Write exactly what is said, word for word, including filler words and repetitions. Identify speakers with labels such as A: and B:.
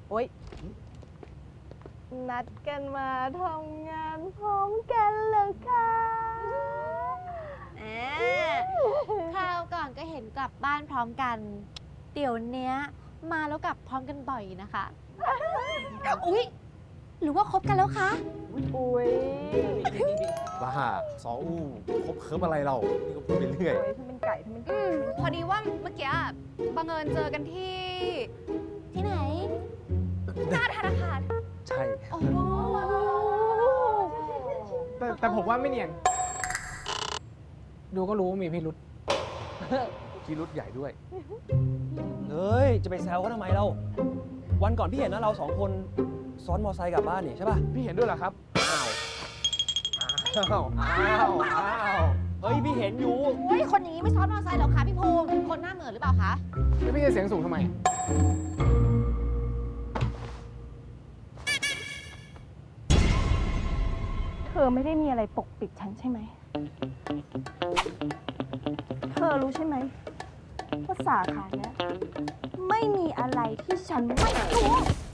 A: โอ๊ยนัดกันมาทำงานพร้อมกันเหรอคะ
B: แหมคราวก่อนก็เห็นกลับบ้านพร้อมกัน เดี๋ยวเนี้ยมาแล้วกลับพร้อมกันบ่อยนะคะ อุ๊ย หรือว่าคบกันแล้วคะ
A: อุ๊ย
C: บ้าสองอู้คบเคิร์ฟอะไรเรา นี่ก็พูดไปเรื่อย
A: โอ๊ยถ้าเป็นไก่ถ้าเป็น
D: อื
A: ไก่
D: มพอดีว่าเมื่อกี้บังเอิญเจอกันที่
B: ที่ไหน
D: หน้าธนาคาร
C: ใช่
B: โอ้โห
E: แต่แต่ผมว่าไม่เนียน ดูก็รู้ว่ามีพิรุษ
C: ที่รุดใหญ่ด้วย
F: เฮ้ย จะไปแซวเขาทำไมเรา วันก่อนพี่เห็นนะเราสองคนซ้อนมอไซค์กลับบ้านนี่ใช่ป่ะ
E: พี่เห็นด้วยเหรอครับ
C: อ้าว อ้าว อ้าว อ้าว
F: เฮ้ย พี่เห็นอยู่
B: โอ้ยคนอย่างนี้ไม่ซ้อนมอเตอร์ไซค์หรอกคะพี่ภูมิ คนหน้าเหมือนหรือเปล่าคะ
E: แล้วพี่จะเสียงสูงทำไม
A: เธอไม่ได้มีอะไรปกปิดฉันใช่ไหม เธอรู้ใช่ไหมว่าสาขาเนี้ยไม่มีอะไรที่ฉันไม่รู้